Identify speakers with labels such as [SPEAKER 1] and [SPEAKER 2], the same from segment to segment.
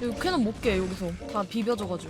[SPEAKER 1] 캐논 못 깨 여기서 다 비벼져가지고.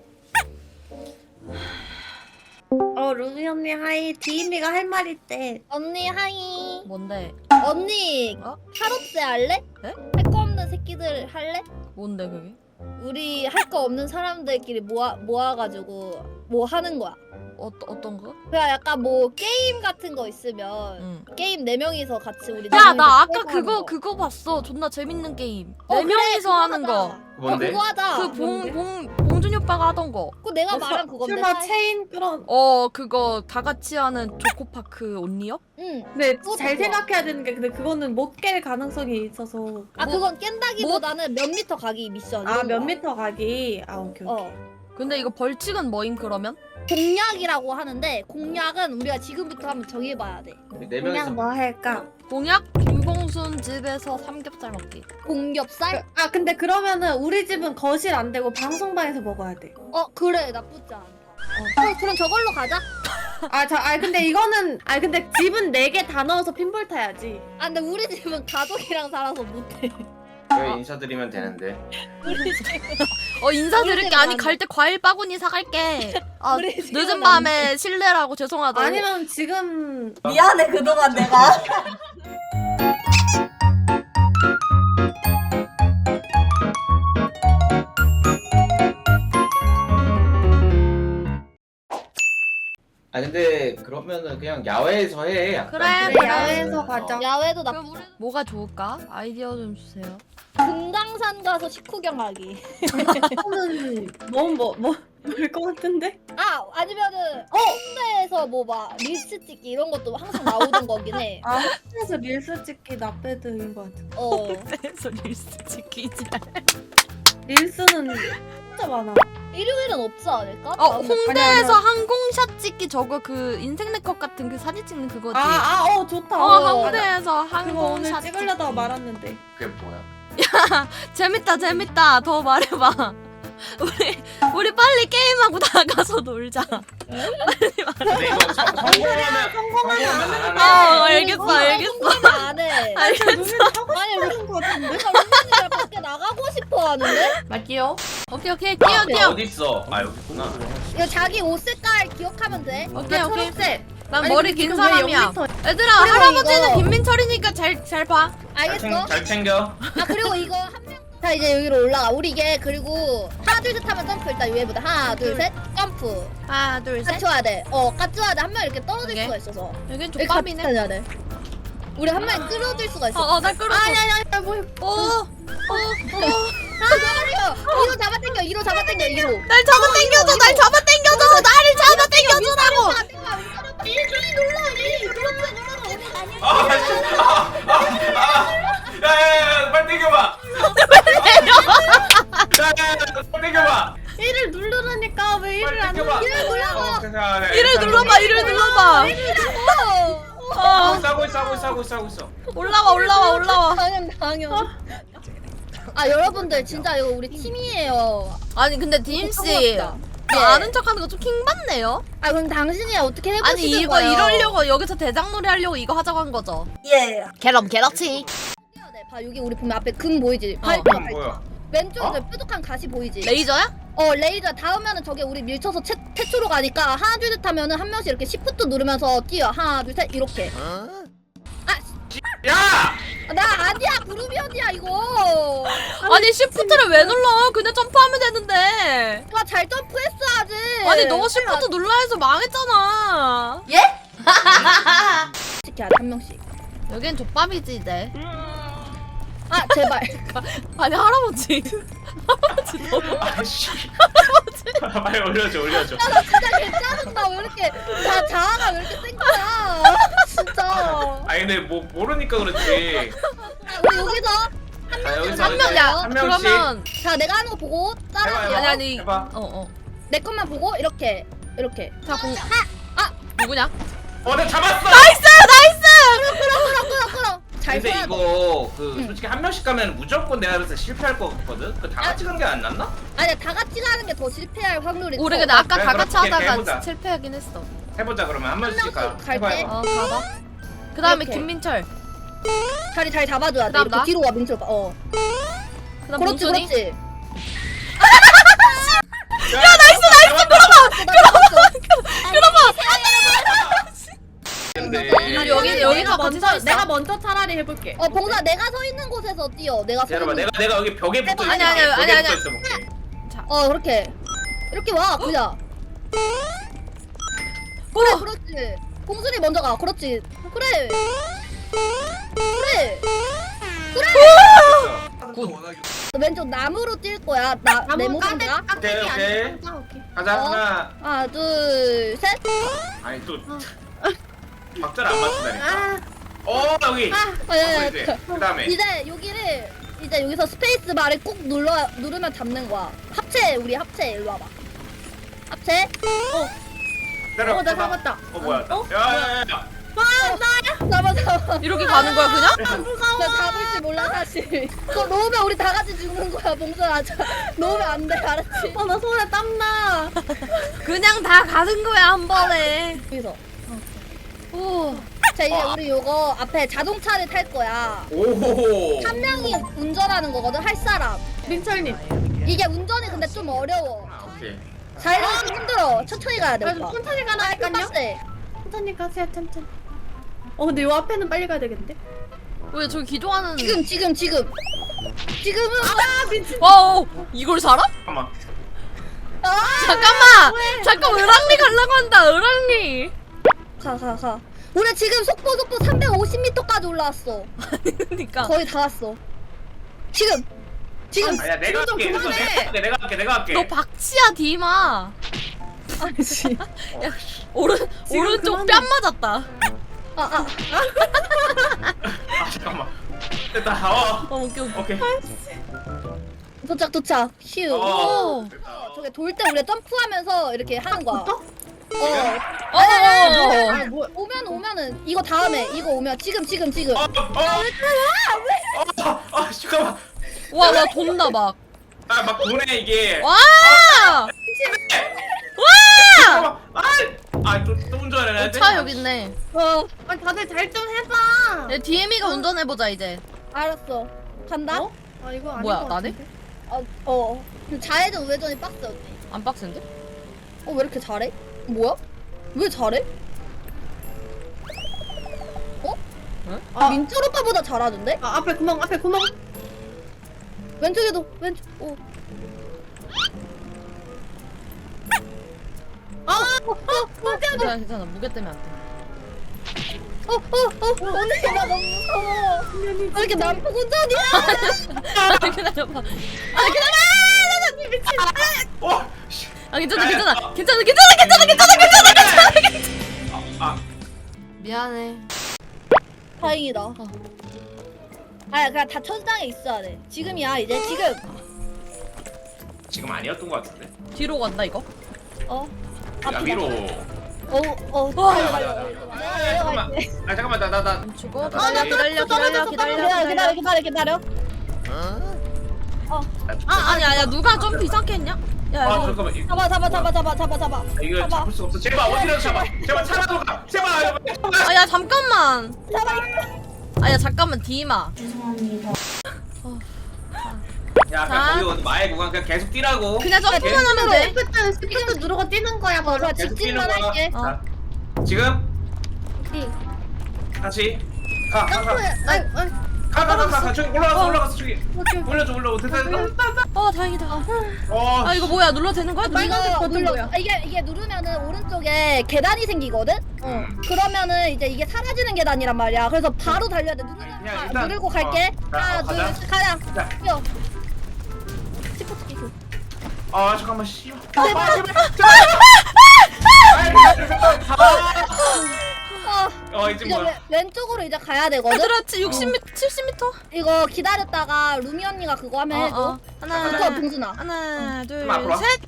[SPEAKER 2] 루비 언니 하이. 디임이가 할 말 있대.
[SPEAKER 3] 언니 하이.
[SPEAKER 1] 뭔데?
[SPEAKER 3] 언니 타로제 할래?
[SPEAKER 1] 네?
[SPEAKER 3] 할 거 없는 새끼들 할래?
[SPEAKER 1] 뭔데 그게?
[SPEAKER 3] 우리 할 거 없는 사람들끼리 모아가지고 뭐 하는 거야.
[SPEAKER 1] 어떤 거?
[SPEAKER 3] 그냥 약간 뭐 게임 같은 거 있으면
[SPEAKER 1] 응.
[SPEAKER 3] 게임 4명이서 같이 우리
[SPEAKER 1] 야, 나 아까
[SPEAKER 3] 게임 하는 거.
[SPEAKER 1] 그거 봤어. 존나 재밌는 게임.
[SPEAKER 3] 어,
[SPEAKER 1] 네
[SPEAKER 3] 그래,
[SPEAKER 1] 명이서
[SPEAKER 3] 그거
[SPEAKER 1] 하는 거.
[SPEAKER 3] 하자.
[SPEAKER 4] 뭔데?
[SPEAKER 3] 그거 하자.
[SPEAKER 1] 그 봉준이 오빠가 하던 거.
[SPEAKER 3] 그거 내가 말한 그건데.
[SPEAKER 2] 설마 체인 끌어.
[SPEAKER 1] 그거 다 같이 하는 조코파크 온리업?
[SPEAKER 3] 응.
[SPEAKER 2] 근데
[SPEAKER 3] 그것도
[SPEAKER 2] 잘
[SPEAKER 3] 좋아.
[SPEAKER 2] 생각해야 되는 게 근데 그거는 못 깰 가능성이 있어서.
[SPEAKER 3] 아 그건 깬다기보다는 몇 미터 가기 미션.
[SPEAKER 2] 아
[SPEAKER 3] 이런
[SPEAKER 2] 몇
[SPEAKER 3] 거야.
[SPEAKER 2] 미터 가기. 아 오케이. 오케이.
[SPEAKER 1] 근데 이거 벌칙은 뭐임 그러면?
[SPEAKER 3] 공략이라고 하는데 공략은 우리가 지금부터 한번 정해봐야 돼.
[SPEAKER 4] 네
[SPEAKER 2] 그냥
[SPEAKER 4] 명이서
[SPEAKER 2] 뭐 할까?
[SPEAKER 1] 공약? 김봉순 집에서 삼겹살 먹기.
[SPEAKER 3] 공겹살?
[SPEAKER 2] 아 근데 그러면은 우리 집은 거실 안 되고 방송방에서 먹어야 돼.
[SPEAKER 3] 그래 나쁘지 않다. 그럼 저걸로 가자.
[SPEAKER 2] 근데 이거는 근데 집은 4개 다 넣어서 핀볼 타야지.
[SPEAKER 3] 아 근데 우리 집은 가족이랑 살아서 못해.
[SPEAKER 4] 왜 인사드리면 되는데.
[SPEAKER 3] 우리 집
[SPEAKER 1] 인사드릴게. 아니
[SPEAKER 3] 안
[SPEAKER 1] 갈 때 과일 바구니 사갈게. 아
[SPEAKER 3] 우리 집은
[SPEAKER 1] 늦은
[SPEAKER 3] 안
[SPEAKER 1] 밤에 실례라고 죄송하다고.
[SPEAKER 2] 아니면 지금
[SPEAKER 5] 미안해 그동안 내가.
[SPEAKER 4] 아 근데 그러면은 그냥 야외에서 해. 약간.
[SPEAKER 1] 그래,
[SPEAKER 2] 그래, 야외에서 가자.
[SPEAKER 3] 야외도 나
[SPEAKER 1] 그럼 우리 뭐가 좋을까? 아이디어 좀 주세요.
[SPEAKER 3] 금강산 가서 식후경하기.
[SPEAKER 2] 이거는 너무 뭘것 같은데?
[SPEAKER 3] 아니면은 홍대에서 뭐 막 릴스 찍기 이런 것도 항상 나오던 거긴 해.
[SPEAKER 2] 아 홍대에서 릴스 찍기 나배드인 것 같아.
[SPEAKER 1] 그래서 릴스 찍히지.
[SPEAKER 2] 릴스는 진짜 많아.
[SPEAKER 3] 일요일은 없지 않을까?
[SPEAKER 1] 홍대에서 항공샷 찍기 저거 그 인생 네컷 같은 그 사진 찍는 그거지.
[SPEAKER 2] 좋다.
[SPEAKER 1] 홍대에서
[SPEAKER 2] 그거 오늘
[SPEAKER 1] 항공샷
[SPEAKER 2] 찍으려다가
[SPEAKER 1] 찍기.
[SPEAKER 2] 말았는데.
[SPEAKER 4] 그게 뭐야?
[SPEAKER 1] 재밌다. 더 말해봐. 우리 빨리 게임하고 나가서 놀자.
[SPEAKER 4] 근데 이거 성공하면
[SPEAKER 2] 성공하면
[SPEAKER 1] 알겠어.
[SPEAKER 3] 안 해.
[SPEAKER 1] 알겠어.
[SPEAKER 3] 아니 우리
[SPEAKER 2] 하는 것 같은데?
[SPEAKER 3] 루빈이가 밖에 나가고 싶어 하는데?
[SPEAKER 1] 갈게요. 오케이. 끼워.
[SPEAKER 4] 어디 있어? 아 여기 있구나.
[SPEAKER 3] 이거 자기 옷 색깔 기억하면 돼.
[SPEAKER 1] 오케이.
[SPEAKER 2] 초록색.
[SPEAKER 1] 난
[SPEAKER 2] 아니,
[SPEAKER 1] 머리
[SPEAKER 2] 근데
[SPEAKER 1] 긴
[SPEAKER 2] 지금 왜
[SPEAKER 1] 사람이야.
[SPEAKER 2] 여기서-
[SPEAKER 1] 얘들아,
[SPEAKER 3] 그리고
[SPEAKER 1] 할아버지는
[SPEAKER 3] 이거-
[SPEAKER 1] 김민철이니까 잘 봐.
[SPEAKER 3] 알겠어?
[SPEAKER 4] 잘 챙겨.
[SPEAKER 3] 그리고 이거 한 명. 자 이제 여기로 올라가. 우리 이게 그리고 하나 둘 셋 하면 점프 일단 위에보다 하나 둘 셋 점프.
[SPEAKER 1] 하나, 둘, 셋.
[SPEAKER 3] 까줘야 돼. 까줘야 돼. 한 명 이렇게 떨어질
[SPEAKER 1] 오케이.
[SPEAKER 3] 수가 있어서.
[SPEAKER 1] 여긴
[SPEAKER 3] 이렇게 같이
[SPEAKER 1] 족밥이네.
[SPEAKER 3] 다녀야 돼. 우리 한 명이 끌어질 수가 있어.
[SPEAKER 1] 날 끌었어.
[SPEAKER 2] 아니야 뭐.
[SPEAKER 3] 이로 잡아당겨. 이로 잡아당겨. 이로.
[SPEAKER 1] 날 잡아당겨줘. 나를 잡아당겨주라고.
[SPEAKER 3] 일주일 눌러. 일 눌러.
[SPEAKER 4] 야야야 빨리 땡겨봐. 야야야 빨리 땡겨봐.
[SPEAKER 2] 일을 누르라니까 왜 일을
[SPEAKER 4] 빨리
[SPEAKER 2] 안
[SPEAKER 4] 땡겨봐.
[SPEAKER 2] 눌러?
[SPEAKER 1] 이를 눌러봐.
[SPEAKER 4] 싸고 있어.
[SPEAKER 1] 올라와.
[SPEAKER 3] 당연. 여러분들 진짜 이거 우리 팀이에요.
[SPEAKER 1] 아니 근데 디임씨 아는 척하는 거 좀 킹받네요.
[SPEAKER 3] 그럼 당신이 어떻게 해보시는
[SPEAKER 1] 아니 이거
[SPEAKER 3] 거예요?
[SPEAKER 1] 이러려고 여기서 대장놀이 하려고 이거 하자고 한 거죠.
[SPEAKER 5] 예.
[SPEAKER 1] 게럭지.
[SPEAKER 3] 봐 여기 우리 보면 앞에 금 보이지?
[SPEAKER 1] 어.
[SPEAKER 3] 발표
[SPEAKER 4] 그럼 뭐야?
[SPEAKER 3] 왼쪽에 뾰족한 가시 보이지?
[SPEAKER 1] 레이저야?
[SPEAKER 3] 레이저 닿으면은 저게 우리 밀쳐서 태초로 가니까 하나 둘 셋 하면은 한 명씩 이렇게 시프트 누르면서 뛰어. 하나 둘 셋 이렇게.
[SPEAKER 4] 야!
[SPEAKER 3] 나 아니야 구름이언니야 이거.
[SPEAKER 1] 아니 시프트를 왜 눌러? 그냥 점프하면 되는데.
[SPEAKER 3] 누가 잘 점프했어야지.
[SPEAKER 1] 아니 너 시프트 눌러 해서 망했잖아.
[SPEAKER 3] 시켜야 돼한 명씩.
[SPEAKER 1] 여긴 족밥이지 이제.
[SPEAKER 3] 제발.
[SPEAKER 1] 아니 할아버지. 할아버지 너무.
[SPEAKER 4] 아씨. 빨리 올려줘.
[SPEAKER 3] 나 진짜 괜찮은다. 왜 이렇게 자아가 왜 이렇게 센 거야? 진짜.
[SPEAKER 4] 아니 근데 뭐 모르니까 그렇지.
[SPEAKER 3] 우리 여기서
[SPEAKER 4] 여기서
[SPEAKER 1] 한 명이야.
[SPEAKER 4] 한 명씩.
[SPEAKER 1] 그러면
[SPEAKER 3] 자 내가 하는 거 보고 따라해요.
[SPEAKER 1] 아니.
[SPEAKER 4] 해봐.
[SPEAKER 3] 내 것만 보고 이렇게.
[SPEAKER 1] 자 누구냐?
[SPEAKER 4] 내 잡았어.
[SPEAKER 3] 끌어. 잘
[SPEAKER 4] 근데
[SPEAKER 3] 써야 돼.
[SPEAKER 4] 이거
[SPEAKER 3] 응.
[SPEAKER 4] 솔직히 한 명씩 가면 무조건 내가 그래서 실패할 것 같거든. 그 다 같이 가는 게 안 낫나?
[SPEAKER 3] 아니야 다 같이 가는 게 더 실패할 확률이
[SPEAKER 1] 우리
[SPEAKER 3] 커.
[SPEAKER 1] 근데 아까
[SPEAKER 4] 그래,
[SPEAKER 1] 다 같이
[SPEAKER 4] 그렇게
[SPEAKER 1] 하다가
[SPEAKER 4] 해보자.
[SPEAKER 1] 실패하긴 했어.
[SPEAKER 4] 해보자 그러면 한 명씩 가.
[SPEAKER 3] 명씩 갈
[SPEAKER 4] 해봐,
[SPEAKER 3] 때?
[SPEAKER 4] 해봐.
[SPEAKER 1] 가봐. 그 다음에
[SPEAKER 3] 이렇게.
[SPEAKER 1] 김민철.
[SPEAKER 3] 자리 잘 잡아줘야 돼.
[SPEAKER 1] 그다음
[SPEAKER 3] 이렇게
[SPEAKER 1] 나?
[SPEAKER 3] 뒤로 와 민철.
[SPEAKER 1] 그 다음
[SPEAKER 3] 그렇지
[SPEAKER 1] 봉순이.
[SPEAKER 3] 그렇지.
[SPEAKER 4] 야 나이스 근데
[SPEAKER 1] 여기가 같이 서 있어.
[SPEAKER 2] 내가 먼저 차라리 해볼게.
[SPEAKER 3] 봉사 내가 서 있는 곳에서 뛰어. 내가 서
[SPEAKER 4] 여러분
[SPEAKER 3] 있는
[SPEAKER 4] 내가 여기 벽에 붙어 있어.
[SPEAKER 1] 아니, 아니.
[SPEAKER 3] 그렇게 이렇게 와 그냥. 그래 그렇지. 봉순이 먼저 가. 그렇지. 그래. 왼쪽 나무로 뛸 거야. 내 모습인가?
[SPEAKER 4] 오케이, 오케이.
[SPEAKER 2] 오케이.
[SPEAKER 4] 가자
[SPEAKER 3] 어?
[SPEAKER 4] 하나.
[SPEAKER 3] 하나 둘 셋.
[SPEAKER 4] 아니 또 박자를 안 맞춘다니까. 여기.
[SPEAKER 3] 예.
[SPEAKER 4] 그다음에
[SPEAKER 3] 이제 여기를 이제 여기서 스페이스 바를 꾹 누르면 잡는 거야. 합체 우리 합체 일로 와봐. 합체.
[SPEAKER 4] 내려.
[SPEAKER 2] 나 잡았다.
[SPEAKER 4] 뭐야? 야야야.
[SPEAKER 3] 잡아.
[SPEAKER 1] 이렇게 가는 거야 그냥?
[SPEAKER 3] 나 잡을 줄 몰라 사실. 그거 놓으면 우리 다 같이 죽는 거야 봉선아. 놓으면 안 돼 알았지?
[SPEAKER 2] 나 손에 땀나.
[SPEAKER 1] 그냥 다 가는 거야 한 번에.
[SPEAKER 3] 여기서.
[SPEAKER 1] 오.
[SPEAKER 3] 자 이제 우리 요거 앞에 자동차를 탈 거야.
[SPEAKER 4] 오호호.
[SPEAKER 3] 한 명이 운전하는 거거든 할 사람.
[SPEAKER 2] 민철님.
[SPEAKER 3] 이게 운전이 근데 좀 어려워.
[SPEAKER 4] 오케이.
[SPEAKER 3] 달리기 좀 힘들어. 천천히 가야 돼
[SPEAKER 2] 그래서
[SPEAKER 3] 오빠.
[SPEAKER 2] 천천히 가라니까요.
[SPEAKER 3] 빡세.
[SPEAKER 2] 천천히 가세요, 천천히. 근데 요 앞에는 빨리 가야 되겠는데?
[SPEAKER 1] 왜 저기 기도하는?
[SPEAKER 3] 지금은
[SPEAKER 1] 와우 이걸 살아?
[SPEAKER 4] 잠깐만.
[SPEAKER 1] 잠깐 을랑리 가려고 한다 을랑리.
[SPEAKER 3] 가. 우리 지금 속도 350m까지 올라왔어.
[SPEAKER 1] 그러니까.
[SPEAKER 3] 거의 다 왔어. 지금.
[SPEAKER 4] 아니야 내가
[SPEAKER 2] 좀
[SPEAKER 4] 할게.
[SPEAKER 2] 그만해.
[SPEAKER 4] 내가 할게.
[SPEAKER 1] 너 박치야 디마.
[SPEAKER 2] 아니지.
[SPEAKER 1] 오른쪽
[SPEAKER 2] 그만해.
[SPEAKER 1] 뺨 맞았다.
[SPEAKER 4] 잠깐만. 됐다.
[SPEAKER 1] 웃겨.
[SPEAKER 4] 오케이.
[SPEAKER 3] 도착. 휴.
[SPEAKER 1] 오.
[SPEAKER 4] 됐다.
[SPEAKER 3] 저게 돌 때 우리 점프하면서 이렇게 하는 거야.
[SPEAKER 2] 또?
[SPEAKER 3] 아니,
[SPEAKER 2] 뭐야?
[SPEAKER 3] 오면은 이거 다음에 이거 오면 지금.
[SPEAKER 4] 잠깐만.
[SPEAKER 1] 와 돈다 막.
[SPEAKER 4] 막 보내 이게.
[SPEAKER 1] 와.
[SPEAKER 4] 잠깐만. 또 운전해야 돼.
[SPEAKER 1] 차 여기 있네.
[SPEAKER 2] 아니 다들 잘 좀 해봐.
[SPEAKER 1] DM이가 운전해 보자 이제.
[SPEAKER 3] 알았어. 간다.
[SPEAKER 2] 아 이거 아닌
[SPEAKER 1] 뭐야,
[SPEAKER 2] 것
[SPEAKER 1] 나네?
[SPEAKER 2] 같은데?
[SPEAKER 3] 근데 좌회전 우회전이 빡세 언니.
[SPEAKER 1] 안 빡센데?
[SPEAKER 3] 왜 이렇게 잘해? 뭐야? 왜 잘해? 민철 오빠보다 잘하던데?
[SPEAKER 2] 앞에 구멍.
[SPEAKER 3] 왼쪽에도 왼쪽.
[SPEAKER 1] 괜찮아 무게 때문에 안 돼.
[SPEAKER 3] 언니 나 너무 무서워. 왜 이렇게 난폭 운전이야?
[SPEAKER 1] 기다려봐.
[SPEAKER 4] 씨.
[SPEAKER 1] 괜찮아. 미안해.
[SPEAKER 3] 다행이다. 그냥 다 천장에 있어야 돼. 지금이야 이제 지금.
[SPEAKER 4] 지금 아니었던 것 같은데.
[SPEAKER 1] 뒤로 간다 이거.
[SPEAKER 4] 야 위로.
[SPEAKER 1] 와.
[SPEAKER 4] 잠깐만 나.
[SPEAKER 1] 죽어. 기다려. 아니야 누가 좀 이상하게 했냐? 야 이거
[SPEAKER 4] 잠깐만.
[SPEAKER 3] 잡아.
[SPEAKER 4] 이거 잡을 수 없어. 제발 어디라도 잡아. 제발 차라도 가. 제발.
[SPEAKER 1] 아야 잠깐만. 아야 잠깐만 디마.
[SPEAKER 4] 야 그냥 거기 마의 구간 그냥 계속 뛰라고.
[SPEAKER 1] 그냥 점프만 하면 돼.
[SPEAKER 2] 스피드 누르고 뛰는 거야 바로.
[SPEAKER 3] 좋아
[SPEAKER 4] 계속
[SPEAKER 3] 직진만
[SPEAKER 4] 뛰는 거야.
[SPEAKER 3] 할게.
[SPEAKER 4] 자, 지금 다시 가. 저기 올라갔어 저기. 올려줘 됐다.
[SPEAKER 1] 다행이다. 아 이거 뭐야 눌러도 되는 거야?
[SPEAKER 3] 이거 눌러.
[SPEAKER 2] 뭐야?
[SPEAKER 3] 이게 누르면은 오른쪽에 계단이 생기거든. 그러면은 이제 이게 사라지는 계단이란 말이야. 그래서 바로 달려야 돼.
[SPEAKER 4] 그냥 일단,
[SPEAKER 3] 누르고 갈게. 하나, 둘,
[SPEAKER 4] 가자.
[SPEAKER 3] 셋, 가자.
[SPEAKER 4] 자.
[SPEAKER 3] 뛰어. 스포츠 기술.
[SPEAKER 4] 잠깐만 씨. 이제
[SPEAKER 3] 이제
[SPEAKER 4] 뭐야?
[SPEAKER 3] 왼쪽으로 이제 가야 되거든.
[SPEAKER 1] 얘들아 60m 70m.
[SPEAKER 3] 이거 기다렸다가 루미 언니가 그거 하면 해줘. 붙어 봉순아.
[SPEAKER 1] 하나
[SPEAKER 4] 앞으로 와.
[SPEAKER 1] 둘셋.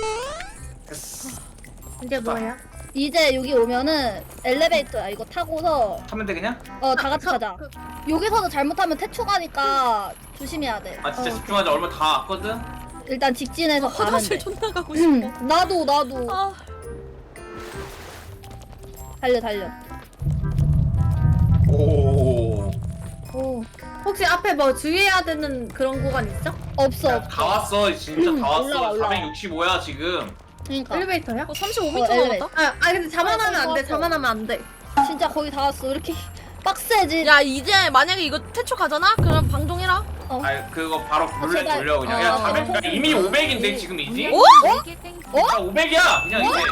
[SPEAKER 2] 이제 뭐야?
[SPEAKER 3] 이제 여기 오면은 엘리베이터야. 이거 타고서
[SPEAKER 4] 하면 돼 그냥?
[SPEAKER 3] 다 같이 가자. 여기서도 잘못하면 태초 가니까 조심해야 돼.
[SPEAKER 4] 진짜 집중하자. 얼마 다 왔거든.
[SPEAKER 3] 일단 직진해서 가면
[SPEAKER 1] 화장실
[SPEAKER 3] 돼.
[SPEAKER 1] 존나 가고 싶어.
[SPEAKER 3] 나도.
[SPEAKER 1] 아
[SPEAKER 3] 달려.
[SPEAKER 4] 오.
[SPEAKER 2] 혹시 앞에 뭐 주의해야 되는 그런 구간 있어?
[SPEAKER 3] 없어.
[SPEAKER 5] 다 왔어 진짜 다
[SPEAKER 3] 올라와,
[SPEAKER 5] 왔어.
[SPEAKER 3] 올라와.
[SPEAKER 5] 465야 지금.
[SPEAKER 3] 그러니까
[SPEAKER 2] 엘리베이터야?
[SPEAKER 1] 35m
[SPEAKER 3] 엘리베이터.
[SPEAKER 1] 남았다.
[SPEAKER 2] 근데 자만하면 안 돼. 자만하면 안 돼.
[SPEAKER 3] 진짜 거의 다 왔어. 이렇게 빡세지.
[SPEAKER 1] 야 이제 만약에 이거 태초 가잖아? 그럼 방종해라.
[SPEAKER 5] 아 그거 바로 룰렛
[SPEAKER 3] 제발.
[SPEAKER 5] 돌려 그냥. 야
[SPEAKER 1] 어.
[SPEAKER 5] 400. 야, 이미 500인데 지금 이지?
[SPEAKER 1] 오?
[SPEAKER 5] 아 500이야 그냥 이제.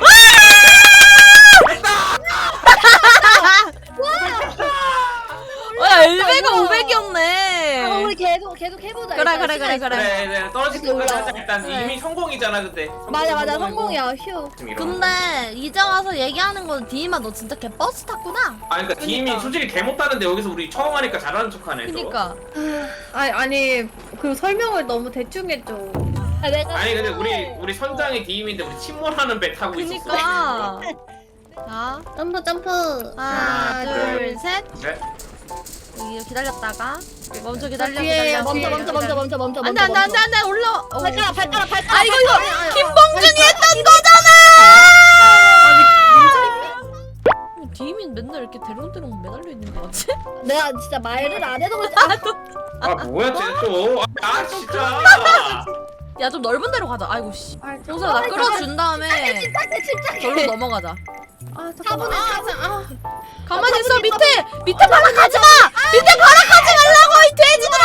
[SPEAKER 1] 야 엘베가
[SPEAKER 3] 우와.
[SPEAKER 1] 500이었네.
[SPEAKER 3] 우리 계속 해보자.
[SPEAKER 1] 그래,
[SPEAKER 3] 일단
[SPEAKER 1] 그래,
[SPEAKER 3] 시간
[SPEAKER 1] 그래,
[SPEAKER 3] 있어.
[SPEAKER 1] 그래.
[SPEAKER 5] 그래 떨어질
[SPEAKER 3] 이렇게
[SPEAKER 5] 때까지
[SPEAKER 3] 올라와.
[SPEAKER 5] 하자 일단.
[SPEAKER 1] 그래.
[SPEAKER 5] 이미 성공이잖아 그때.
[SPEAKER 3] 맞아
[SPEAKER 5] 성공이고.
[SPEAKER 3] 성공이야. 휴.
[SPEAKER 5] 지금 이러는
[SPEAKER 1] 근데 이제 와서 얘기하는 건 디마 너 진짜 개 버스 탔구나.
[SPEAKER 5] 아 그러니까 디임이 솔직히 개 못하는데 여기서 우리 처음 하니까 잘하는 척하네. 또.
[SPEAKER 1] 그니까.
[SPEAKER 2] 아니 그 설명을 너무 대충 해줘.
[SPEAKER 3] 내가
[SPEAKER 5] 아니 근데 우리 선장이 디임인데 우리 침몰하는 배 타고 있었어.
[SPEAKER 1] 그니까. 자
[SPEAKER 2] 점프.
[SPEAKER 1] 하나 둘 셋.
[SPEAKER 5] 네?
[SPEAKER 1] 여기 기다렸다가 먼저 기다려
[SPEAKER 2] 뒤에,
[SPEAKER 1] 기다려.
[SPEAKER 2] 뒤에.
[SPEAKER 3] 멈춰.
[SPEAKER 1] 안돼 안돼 안돼 안돼 올라.
[SPEAKER 3] 발가락.
[SPEAKER 1] 아 이거 김봉준이 했던 거잖아. 디민 맨날 이렇게 대롱대롱 매달려 있는 거 같지?
[SPEAKER 3] 내가 진짜 말을 안 해도
[SPEAKER 5] 아 뭐야 쟤 또. 아 진짜.
[SPEAKER 1] 야 좀 넓은 데로 가자. 아이고 씨.
[SPEAKER 2] 아,
[SPEAKER 1] 동서야 나 끌어준 다음에
[SPEAKER 3] 침착해.
[SPEAKER 1] 절로 넘어가자.
[SPEAKER 2] 잠깐만.
[SPEAKER 1] 가만히 있어 밑에 발악하지 마. 밑에 발악하지 말라고 이 돼지들아.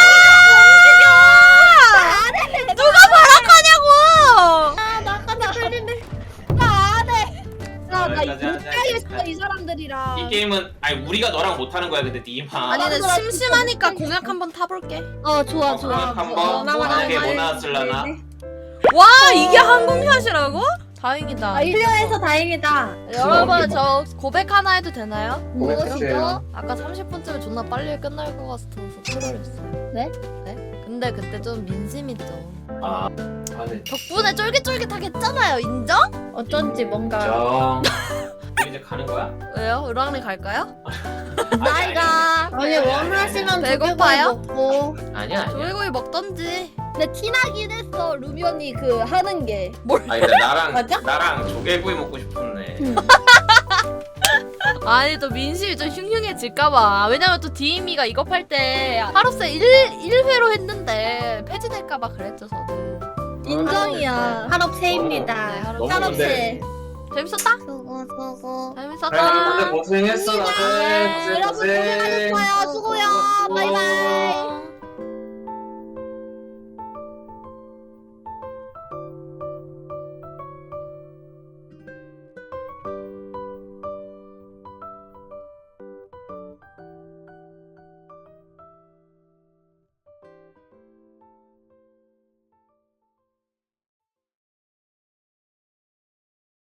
[SPEAKER 1] 누가 발악하냐고.
[SPEAKER 3] 나간다. 나안 해. 나
[SPEAKER 5] 여기까지 하자,
[SPEAKER 3] 못하겠어
[SPEAKER 5] 여기까지.
[SPEAKER 3] 이 사람들이랑.
[SPEAKER 5] 이 게임은 아니 우리가 너랑 못하는 거야 근데 디임아.
[SPEAKER 1] 아니 근데 심심하니까 공약 한번 타볼게.
[SPEAKER 3] 좋아.
[SPEAKER 5] 한번 만약에 뭐 나왔을라나.
[SPEAKER 1] 와 이게 항공샷이라고? 다행이다.
[SPEAKER 3] 아,
[SPEAKER 2] 클리어해서 다행이다.
[SPEAKER 1] 여러분 저 고백 하나 해도 되나요?
[SPEAKER 3] 무엇이죠?
[SPEAKER 1] 아까 30분쯤에 존나 빨리 끝날 것 같아서 트롤했어요.
[SPEAKER 3] 네?
[SPEAKER 1] 근데 그때 좀 민심이 좀
[SPEAKER 5] 아 네.
[SPEAKER 1] 덕분에 쫄깃쫄깃하게 했잖아요. 인정?
[SPEAKER 2] 어쩐지 뭔가.
[SPEAKER 5] 정. 우리 이제 가는 거야?
[SPEAKER 1] 왜요? 으랑리 갈까요?
[SPEAKER 3] 나이가.
[SPEAKER 2] 아니 원하시면
[SPEAKER 1] 배고파요?
[SPEAKER 2] 조개구이 먹고.
[SPEAKER 5] 아니야.
[SPEAKER 1] 조개구이 먹던지.
[SPEAKER 3] 근데 티나긴 했어 루미 언니 그 하는 게.
[SPEAKER 5] 아니 근데
[SPEAKER 2] 맞아?
[SPEAKER 5] 나랑 조개구이 먹고 싶었네.
[SPEAKER 1] 아니 또 민심이 좀 흉흉해질까봐. 왜냐면 또 디미가 이거 팔 때 하루세 1회로 했는데 폐지될까봐 그랬죠 저도.
[SPEAKER 3] 인정이야.
[SPEAKER 2] 한업새입니다.
[SPEAKER 1] 네, 하루
[SPEAKER 5] 너무
[SPEAKER 3] 사람새.
[SPEAKER 1] 재밌었다?
[SPEAKER 2] 수고.
[SPEAKER 1] 재밌었다.
[SPEAKER 5] 다들 고생했어 다들.
[SPEAKER 3] 여러분 고생하셨어요. 수고요. 바이바이.